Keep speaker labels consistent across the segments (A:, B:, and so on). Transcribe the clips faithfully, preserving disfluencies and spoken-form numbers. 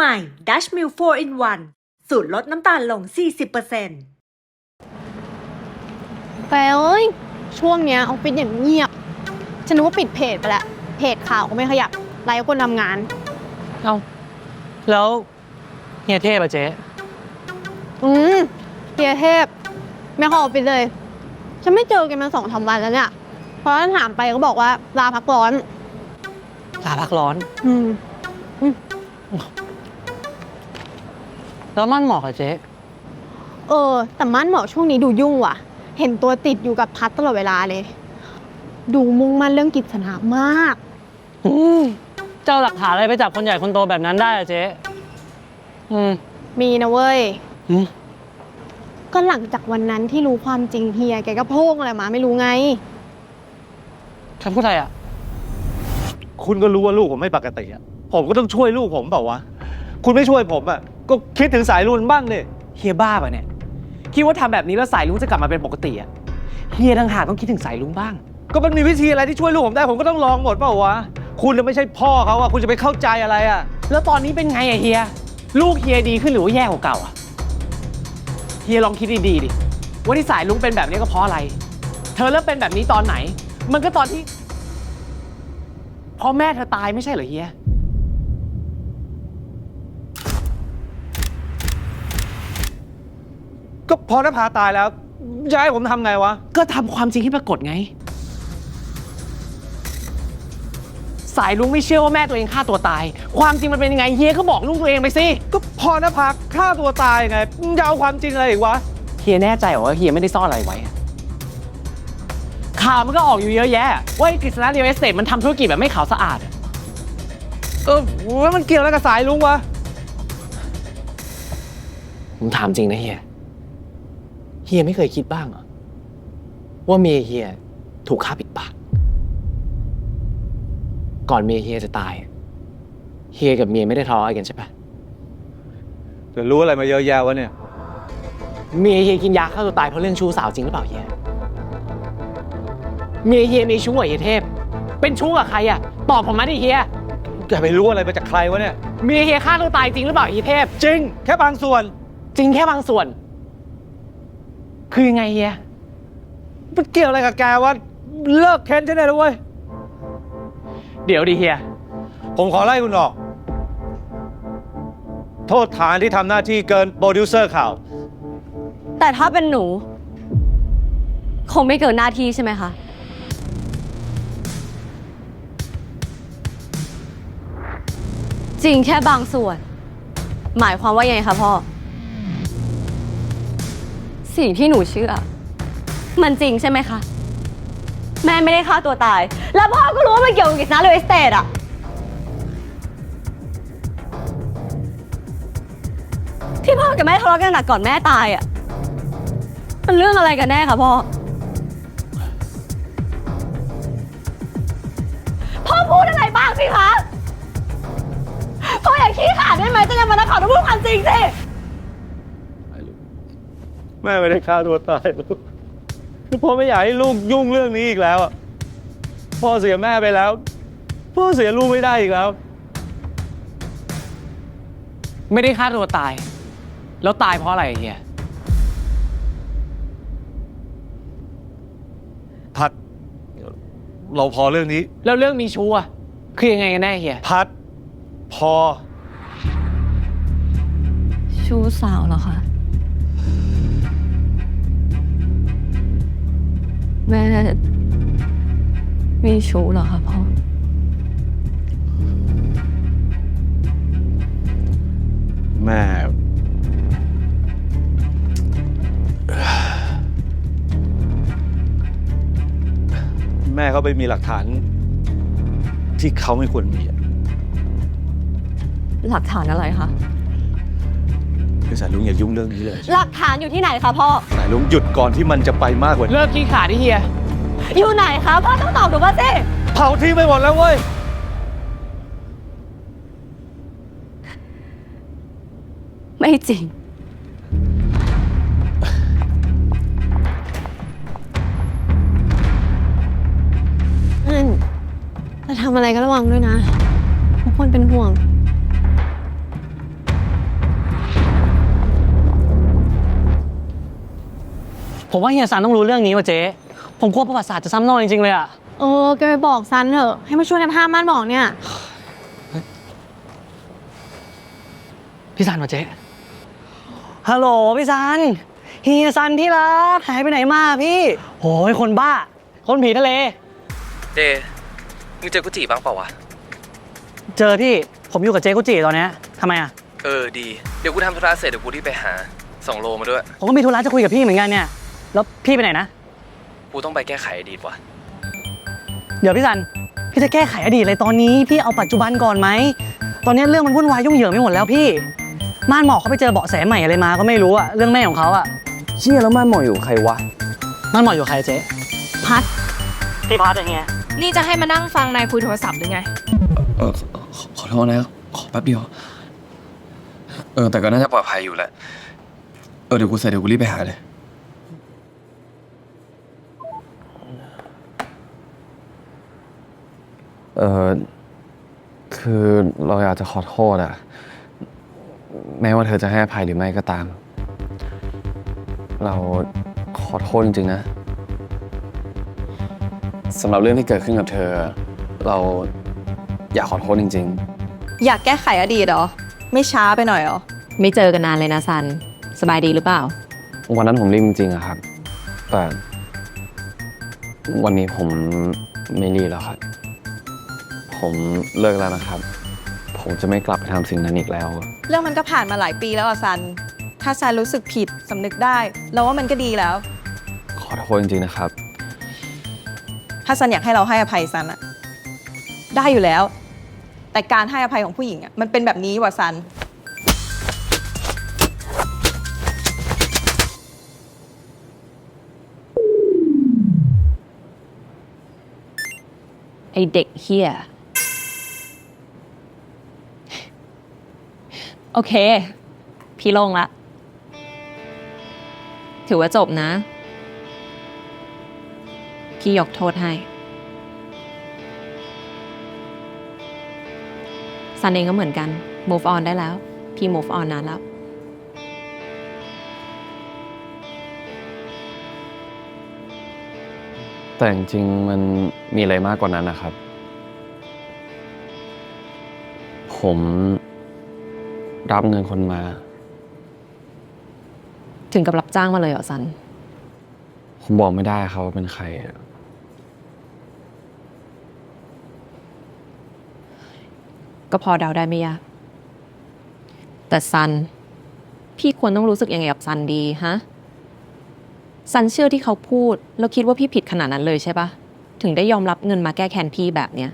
A: ใหม่ Dutch Mill โฟร์ in วัน สูตรลดน้ำตาลลง สี่สิบเปอร์เซ็นต์
B: แกเอ้ยช่วงเนี้ยออฟฟิศอย่างเงียบฉันนึกว่าปิดเพจไปแล้วเพจข่าวก็ไม่ขยับไลฟ์คนทำงาน
C: เอ้าแล้วเฮียเทพอะเจ๊
B: อืมเฮียเทพไม่เข้าออฟฟิศเลยฉันไม่เจอแกมาสองสามวันแล้วเนี่ยเพราะถามไปก็บอกว่าลาพักร้อน
C: ลาพักร้อน
B: อืม
C: แล้วมั่นเหมาะกับเจ๊
B: เออแต่มั่นเหมาะช่วงนี้ดูยุ่งว่ะ เห็นตัวติดอยู่กับพัดตลอดเวลาเลย ดูมุ่งมั่นเรื่องกิจสนามาก
C: อืมเจ้าหลักฐานอะไรไปจับคนใหญ่คนโตแบบนั้นได้อะเจ๊อืม
B: มีนะเว้ย
C: อืม
B: ก็หลังจากวันนั้นที่รู้ความจริงเฮียแกก็โพงอะไรมาไม่รู้ไง
C: คำพูดอะไรอะ
D: คุณก็รู้ว่าลูกผมไม่ปกติอ่ะผมก็ต้องช่วยลูกผมเปล่าวะคุณไม่ช่วยผมอ่ะก็คิดถึงสายรุ่นบ้างดิ
E: เฮียบ้าป่ะเนี่ยคิดว่าทำแบบนี้แล้วสายลุงจะกลับมาเป็นปกติอะเฮียต่างหากต้องคิดถึงสายลุงบ้าง
D: ก็มันมีวิธีอะไรที่ช่วยลูกผมได้ผมก็ต้องลองหมดเปล่าวะคุณน่ะไม่ใช่พ่อเขาอ่ะคุณจะไปเข้าใจอะไรอ่ะ
E: แล้วตอนนี้เป็นไงอะเฮียลูกเฮียดีขึ้นหรือว่าแย่กว่าเก่าอะเฮียลองคิดดีๆดิว่าที่สายลุงเป็นแบบนี้ก็เพราะอะไร เธอเริ่มเป็นแบบนี้ตอนไหน มันก็ตอนที่พ่อแม่เธอตายไม่ใช่เหรอเฮีย
D: ก็พอนภาตายแล้วจะให้ผมทำไงวะ
E: ก็ทำความจริงให้ปรากฏไง สายลุงไม่เชื่อว่าแม่ตัวเองฆ่าตัวตาย ความจริงมันเป็นยังไงเฮียก็บอกลูกตัวเองไปสิ
D: ก็พอนภาฆ่าตัวตายไงมึงจะเอาความจริงอะไรอีกวะ
E: เฮียแน่ใจเหรอว่าเฮียไม่ได้ซ่อนอะไรไว้อะข่าวมันก็ออกอยู่เยอะแยะ ว่าไอ้กฤษณะเรียลเอสเตทมันทำธุรกิจแบบไม่ขาวสะอาดอะ
D: เออแล้วมันเกี่ยวอะไรกับสายลุงวะ
E: ผมถามจริงนะเฮีย เฮียไม่เคยคิดบ้างเหรอว่าเมียเฮียถูกฆ่าปิดปาก ก่อนเมียเฮียจะตาย เฮียกับเมียไม่ได้ทะเลาะอะไรกันใช่ปะ
D: จะรู้อะไรมาเยอะแยะวะเนี่ย
E: เมียเฮียกินยาฆ่าตัวตายเพราะเรื่องชู้สาวจริงหรือเปล่าเฮีย เมียเฮียมีชู้กับเฮียเทพ เป็นชู้กับใครอะตอบผมมาดิเฮีย
D: แกไปรู้อะไรมาจากใครวะเนี่ย
E: เมียเฮียฆ่าตัวตายจริงหรือเปล่าเฮียเทพ
D: จริง แค่บางส่วน
E: จริงแค่บางส่วน คือยังไงเฮีย
D: มันเกี่ยวอะไรกับแกวะเลิกเค้นใช่ไหมล่ะเว้ย
E: เดี๋ยวดิเฮีย
D: ผมขอไล่คุณออก โทษฐานที่ทำหน้าที่เกินโปรดิวเซอร์ข่าว
F: แต่ถ้าเป็นหนู คงไม่เกินหน้าที่ใช่ไหมคะ จริงแค่บางส่วน หมายความว่ายังไงคะพ่อ สิ่งที่หนูเชื่อ มันจริงใช่ไหมคะ แม่ไม่ได้ฆ่าตัวตาย แล้วพ่อก็รู้ว่ามันเกี่ยวกับกิจนะเรียลเอสเตทอะที่พ่อกับแม่ทะเลาะกันหนักก่อนแม่ตายอะมันเรื่องอะไรกันแน่คะพ่อ พ่อพูดอะไรบ้างสิคะ พ่ออย่าขี้ขลาดได้ไหมจะยังมานักข่าวต้องพูดความจริงสิ
D: แม่ไม่ได้ฆ่าตัวตายลูกคือพ่อไม่อยากให้ลูกยุ่งเรื่องนี้อีกแล้วอะพ่อเสียแม่ไปแล้ว พ่อเสียลูกไม่ได้อีกแล้ว
E: ไม่ได้ฆ่าตัวตาย แล้วตายเพราะอะไรเฮีย
D: พัด เราพอเรื่องนี้
E: แล้วเรื่องมีชู้อะคือยังไงกันแน่เฮีย
D: พัด พอ
F: ชู้สาวเหรอคะ แม่มีชู้เหรอคะพ่อ
D: แม่ แม่เขาไปมีหลักฐาน ที่เขาไม่ควรมีอะ
F: หลักฐานอะไรคะ
D: คือสายลุงอย่ายุ่งเรื่องนี้เลย
F: หลักฐานอยู่ที่ไหนคะพ่อ
D: สายลุงหยุดก่อนที่มันจะไปมากกว่านี้
E: เลิกขี้ขลาดดิเฮีย
F: อยู่ไหนคะพ่อต้องตอบหนูมาสิ
D: เผาทิ้งไปหมดแล้วเว้ย
F: ไม่จริง
B: นั่นจะทำอะไรก็ระวังด้วยนะทุกคนเป็นห่วง
C: ผมว่าเฮียซันต้องรู้เรื่องนี้ว่ะเจ๊ผมกลัวประวัติศาสตร์จะซ้ำรอยจริงๆเลยอะ
B: เออแกไปบอกซันเถอะให้มาช่วยกันห้ามม่านบอกเนี่ย
C: พี่ซันว่ะเจ๊ฮัลโหลพี่ซันเฮียซันที่รักหายไปไหนมาพี่โอ้ยคนบ้าคนผีทะเล
G: เจมึงเจอกุจิบ้างเปล่าวะ
C: เจอพี่ผมอยู่กับเจ๊กุจิตอนเนี้ยทำไมอะ
G: เออดี เดี๋ยวกูทำธุระเสร็จเดี๋ยวกูรีบไปหาส่งโลมาด้วย
C: ผมก็มีธุระจะคุยกับพี่เหมือนกันเนี่ยแล้วพี่ไปไหนนะ
G: กูต้องไปแก้ไขอดีตว่ะ
C: เดี๋ยวพี่ซันพี่จะแก้ไขอดีตอะไรตอนนี้พี่เอาปัจจุบันก่อนไหมตอนนี้เรื่องมันวุ่นวายยุ่งเหยิงไม่หมดแล้วพี่ม่านหมอกเขาไปเจอเบาะแสใหม่อะไรมาก็ไม่รู้อะเรื่องแม่ของเขาอะ
G: เชี่ยแล้วม่านหมออยู่ใครวะ
C: ม่านหมอกอยู่ใครเจ๊
B: พัด
C: พี่พัดอย่างเงี้ย
H: นี่จะให้มานั่งฟังนายคุยโทรศัพท์หรือไง
G: เออขอขอโทษนะขอแป๊บเดียว เออแต่ก็น่าจะปลอดภัยอยู่แหละ เออเดี๋ยวกูเสร็จเดี๋ยวกูรีบไปหาเลย
I: เออคือเราอยากจะขอโทษอะแม้ว่าเธอจะให้อภัยหรือไม่ก็ตาม เราขอโทษจริงๆนะสำหรับเรื่องที่เกิดขึ้นกับเธอ เราอยากขอโทษจริงๆ
F: อยากแก้ไขอดีตเหรอ ไม่ช้าไปหน่อยเหรอ ไม่เจอกันนานเลยนะซัน สบายดีหรือเปล่า
I: วันนั้นผมรีบจริงๆอะครับ แต่วันนี้ผมไม่รีบแล้วครับ ผมเลิกแล้วนะครับ ผมจะไม่กลับไปทำสิ่งนั้นอีกแล้ว
F: เรื่องมันก็ผ่านมาหลายปีแล้วอะซัน ถ้าซันรู้สึกผิดสำนึกได้เราว่ามันก็ดีแล้ว
I: ขอโทษจริงๆนะครับ
F: ถ้าซันอยากให้เราให้อภัยซันอะได้อยู่แล้ว แต่การให้อภัยของผู้หญิงอะมันเป็นแบบนี้ว่ะซัน ไอเด็กเฮียโอเค พี่ลงละ ถือว่าจบนะ พี่ยกโทษให้ซันเองก็เหมือนกัน move on ได้แล้ว พี่ move on นานแล้ว
I: แต่จริงๆมันมีอะไรมากกว่านั้นนะครับ ผมรับเงินคนมา
F: ถึงกับรับจ้างมาเลยเหรอซัน
I: ผมบอกไม่ได้ครับว่าเป็นใคร
F: ก็พอเดาได้ไม่ยาก แต่ซัน พี่ควรต้องรู้สึกยังไงกับซันดีฮะ ซันเชื่อที่เขาพูดแล้วคิดว่าพี่ผิดขนาดนั้นเลยใช่ปะถึงได้ยอมรับเงินมาแก้แค้นพี่แบบเนี้ย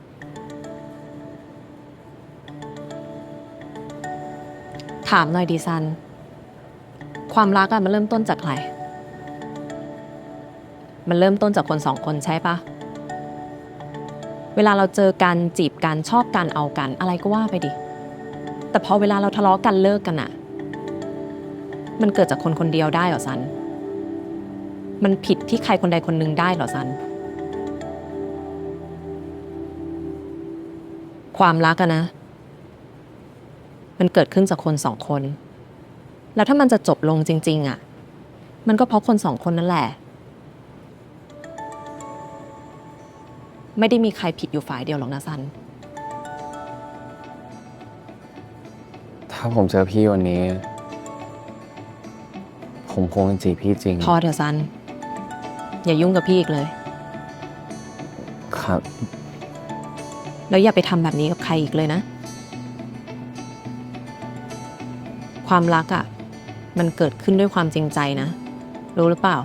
F: ถามหน่อยดิซัน ความรักอะมันเริ่มต้นจากใคร มันเริ่มต้นจากคนสองคนใช่ปะเวลาเราเจอกันจีบกันชอบกันเอากันอะไรก็ว่าไปดิ แต่พอเวลาเราทะเลาะกันเลิกกันอะมันเกิดจากคนคนเดียวได้เหรอซัน มันผิดที่ใครคนใดคนหนึ่งได้เหรอซัน ความรักอะนะ มันเกิดขึ้นจากคนสองคน แล้วถ้ามันจะจบลงจริงๆอะมันก็เพราะคนสองคนนั่นแหละ ไม่ได้มีใครผิดอยู่ฝ่ายเดียวหรอกนะซัน
I: ถ้าผมเจอพี่วันนี้ ผมคงจะจีบพี่จริง
F: พอเถอะซัน อย่ายุ่งกับพี่อีกเลย
I: ครับ
F: แล้วอย่าไปทำแบบนี้กับใครอีกเลยนะ ความรักอะ่ะ มันเกิดขึ้นด้วยความจริงใจนะ รู้หรือเปล่า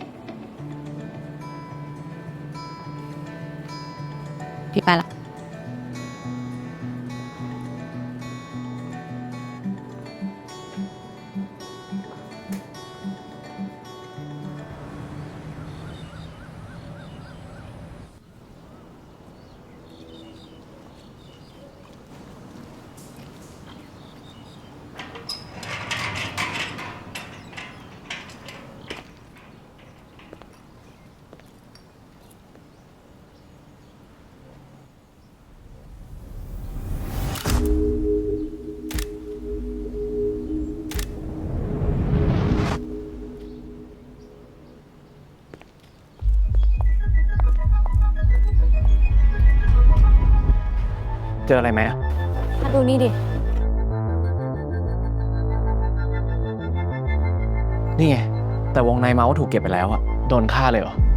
F: พี่ไปละ
E: เจออะไรไหมอะ
B: มาดูนี่ดิ
E: นี่ไง แต่วงในเมาส์ถูกเก็บไปแล้วอะโดนฆ่าเลยเหรอ